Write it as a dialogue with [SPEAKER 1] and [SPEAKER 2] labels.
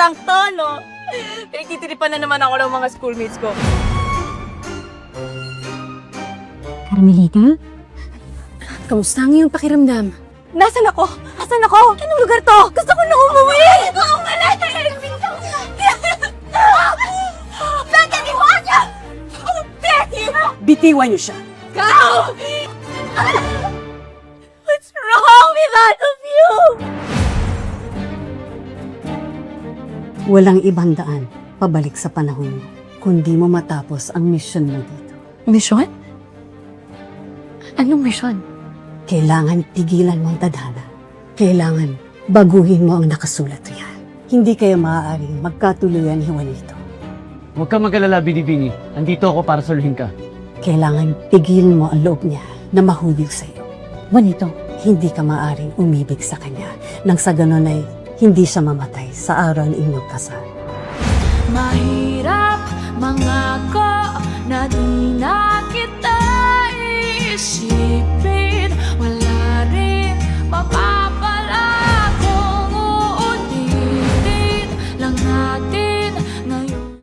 [SPEAKER 1] prank to, no? Pinagtitiripan na naman ako ng mga schoolmates ko.
[SPEAKER 2] Carmelita? Kamusta ang iyong pakiramdam?
[SPEAKER 1] Nasaan ako? Nasaan ako? Anong lugar to? Gusto ko na umuwi! Ako umalis! Beka, demonyo! Becky!
[SPEAKER 2] Bitiwan niyo siya!
[SPEAKER 1] Go! What's wrong with all of you?
[SPEAKER 2] Walang ibang daan pabalik sa panahon mo, kundi mo matapos ang misyon mo dito.
[SPEAKER 1] Mission? Anong mission?
[SPEAKER 2] Kailangan tigilan mo ang tadhana. Kailangan baguhin mo ang nakasulat riyan. Hindi kayo maaaring magkatuluyan ni Juanito.
[SPEAKER 3] Huwag kang mag-alala, Binibini. Andito ako para saluhin ka.
[SPEAKER 2] Kailangan tigilin mo ang loob niya na mahubig sa iyo. Juanito, hindi ka maaaring umibig sa kanya nang sa ganon ay hindi siya mamatay sa araw ng inyong kasal.
[SPEAKER 4] Mahirap mangako na di na